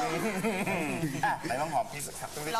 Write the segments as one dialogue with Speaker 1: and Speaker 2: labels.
Speaker 1: ไหนลองหอมพี่สักครับลอง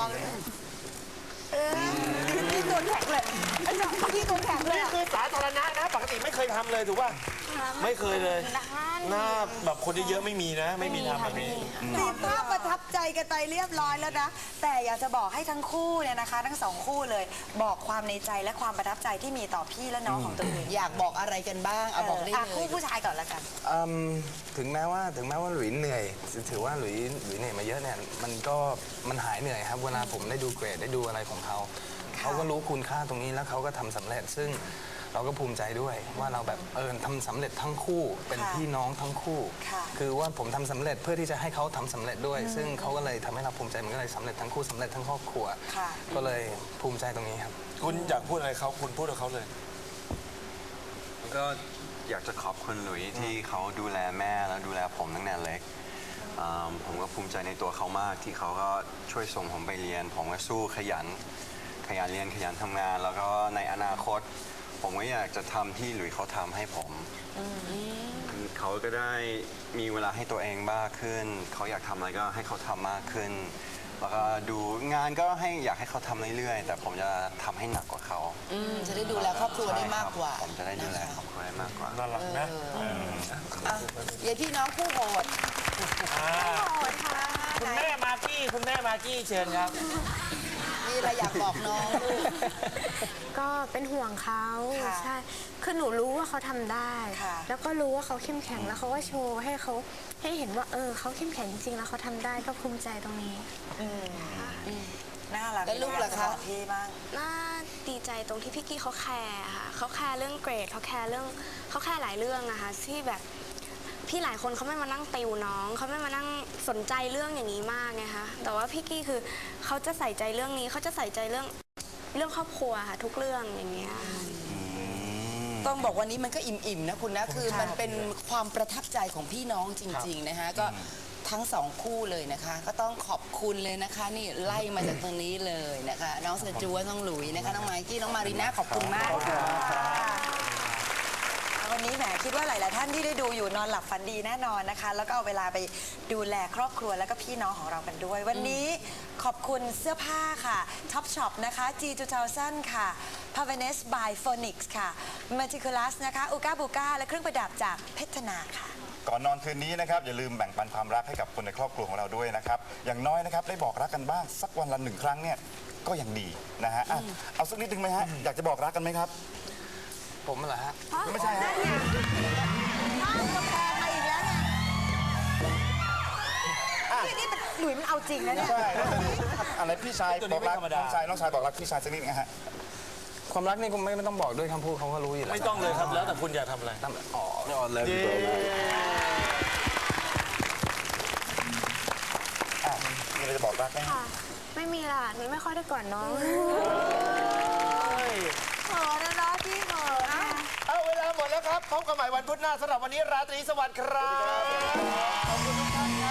Speaker 2: พี่ตัวแข็งเลยพี่ตัวแข็งเลย
Speaker 3: นี่คือสาธารณะนะปกติไม่เคยทำเลยถูกป่ะไม่เคยเลยหน้าแบบคนเยอะๆไม่มีนะไม่มีทำแบบนี้
Speaker 2: มีภาพประทับใจกันไปเรียบร้อยแล้วนะแต่อยากจะบอกให้ทั้งคู่เนี่ยนะคะทั้งสองคู่เลยบอกความในใจและความประทับใจที่มีต่อพี่และน้องของตัวเอง
Speaker 4: อยากบอกอะไรกันบ้างเอาบอกได้เลย
Speaker 2: คู่ผู้ชายก่อนละกัน
Speaker 5: ถึงแม้ว่าหลุยเหนื่อยถือว่าหลุยเหนื่อยมาเยอะเนี่ยมันหายเหนื่อยครับเวลาผมได้ดูเกรดได้ดูอะไรของเขาก็รู้คุณค่าตรงนี้แล้วเขาก็ทำสำเร็จซึ่งเราก็ภูมิใจด้วยว่าเราแบบทำสำเร็จทั้งคู่เป็นพี่น้องทั้งคู่คือว่าผมทำสำเร็จเพื่อที่จะให้เขาทำสำเร็จด้วยซึ่งเขาก็เลยทำให้เราภูมิใจมันก็เลยสำเร็จทั้งคู่สำเร็จทั้งครอบครัวก็เลยภูมิใจตรงนี้ครับ
Speaker 3: คุณอยากพูดอะไรเขาคุณพูดกับเขาเลย
Speaker 6: ก็อยากจะขอบคุณหลุยที่เขาดูแลแม่แล้วดูแลผมตั้งแต่เล็กผมก็ภูมิใจในตัวเขามากที่เขาก็ช่วยส่งผมไปเรียนผมก็สู้ขยันเรียนขยันทำงาน แล้วก็ในอนาคตผมก็อยากจะทำที่หลุยเขาทำให้ผมเขาก็ได้มีเวลาให้ตัวเองมากขึ้นเขาอยากทำอะไรก็ให้เขาทำมากขึ้นแล้วก็ดูงานก็อยากให้เขาทำเรื่อยๆแต่ผมจะทำให้หนักกว่าเขา
Speaker 4: จะได้ดูแลครอบครัวได้มากกว่า
Speaker 6: ผมจะได้ดูแลครอบครัวได้มากกว่า
Speaker 3: น่ารักนะ
Speaker 4: ยายพี่น้องคู่โหด
Speaker 3: คุณแม่มากกี้เชิญครับ
Speaker 4: มีอะไรอยากบอกน้องลูก
Speaker 7: ก็เป็นห่วงเขาใช่คือหนูรู้ว่าเขาทำได้แล้วก็รู้ว่าเขาเข้มแข็งแล้วเขาก็โชว์ให้เห็นว่าเขาเข้มแข็งจริงๆแล้วเขาทำได้ก็ภูมิใจตรงนี้
Speaker 2: น่ารัก
Speaker 4: แล้วลูกล่ะคะ
Speaker 2: พี่บ้าง
Speaker 7: น่าดีใจตรงที่พี่กี้เขาแคร์ค่ะเขาแคร์เรื่องเกรดเขาแคร์หลายเรื่องนะคะที่แบบพี่หลายคนเขาไม่มานั่งติวน้องเขาไม่มานั่งสนใจเรื่องอย่างนี้มากไงคะแต่ว่าพี่กี้คือเขาจะใส่ใจเรื่องนี้เขาจะใส่ใจเรื่องครอบครัวค่ะทุกเรื่องอย่างเงี้ย
Speaker 4: ต้องบอกวันนี้มันก็อิ่มๆนะคุณนะคือมันเป็นความประทับใจของพี่น้องจริงๆนะคะก็ทั้งสองคู่เลยนะคะก็ต้องขอบคุณเลยนะคะนี่ไล่มาจากตรงนี้เลยนะคะน้องเซจูน้องหลุยนะคะน้องไมกี้น้องมารีน่าขอบคุณมาก
Speaker 2: วันนี้แหมคิดว่าหลายๆท่านที่ได้ดูอยู่นอนหลับฝันดีแน่นอนนะคะแล้วก็เอาเวลาไปดูแลครอบครัวแล้วก็พี่น้องของเรากันด้วยวันนี้ขอบคุณเสื้อผ้าค่ะท็อปช็อปนะคะ G2000 ค่ะ Pavanes by Phoenix ค่ะ Meticulous นะคะอูก้าบูก้าและเครื่องประดับจากเพชรนาค่ะ
Speaker 1: ก่อนนอนคืนนี้นะครับอย่าลืมแบ่งปันความรักให้กับคนในครอบครัวของเราด้วยนะครับอย่างน้อยนะครับได้บอกรักกันบ้างสักวันละ1 ครั้งเนี่ยก็ยังดีนะฮะเอาสักนิดนึงไหมฮะอยากจะบอกรักกันไหมครับ
Speaker 5: ผมเหรอฮะ
Speaker 1: ไม่ใช่ฮะ
Speaker 2: ข้าวกาแฟมาอีกแล้วเนี่ยนี่มันหลุยมันเอาจริงนะเนี่ย
Speaker 1: ใช่อะไรพี่ชายบอกรักน้องชายบอกรักพี่ชายสักนิดนะฮะ
Speaker 5: ความรักนี่คงไม่ต้องบอกด้วยคำพูดเขาก็รู้อยู่แล้ว
Speaker 3: ไม่ต้องเลยครับแล้วแต่คุณอยากทำอะไร
Speaker 5: ไม่อ่อนเลย
Speaker 1: มีอะไรจะบอกรักไหม
Speaker 7: ไม่มีล่ะหนูไม่ค่อยได้ก่อนน้อง
Speaker 2: เขินนะพี่เขิน
Speaker 3: เอาเวลาหมดแล้วครับพบกันใหม่วันพุธหน้าสำหรับวันนี้ราตรีสวัสดิ์ครับขอบคุณทุกท่านครับ